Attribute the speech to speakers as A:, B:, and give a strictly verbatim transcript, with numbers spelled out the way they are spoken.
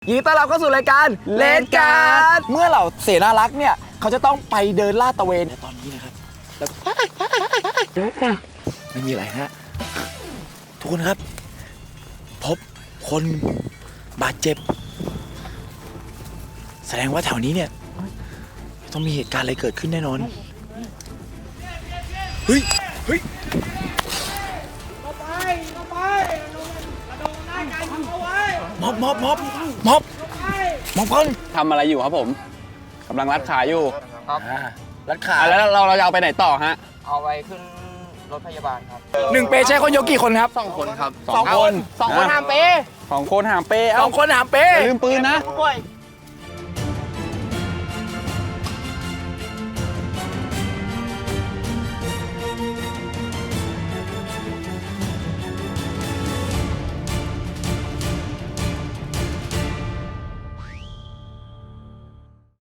A: ยินดีต้อนรับเข้าสู่รายการเลดการ์ดเมื่อเหล่าเสนารักษ์เนี่ยเขาจะต้องไปเดินลาดตระเวนในตอนนี้นะครับแล้วไม่มีอะไรฮะทุกคนครับพบคนบาดเจ็บแสดงว่าแถวนี้เนี่ยต้องมีเหตุการณ์อะไรเกิดขึ้นแน่นอนเฮ้ยเฮ้ยม็อบม็อบม็อบม็อบม็อบคน
B: ทำอะไรอยู่ครับผมกำลังรัดขาอยู่
C: ครับ
A: อ่ารัดขา
B: อ่ะแล้วเราเราจะเอาไปไหนต่อฮะ
C: เอาไปขึ้นรถพยาบาลครับ
A: หนึ่งเปใช้คนยกกี่คนครับ
C: สองคนครับ
A: สองคน
C: สองคนห้ามเป
B: สองคนหามเป้
A: ส
B: เอ้า
A: องคนหามเป
B: อย่าลืมปืนนะ
C: ป่วย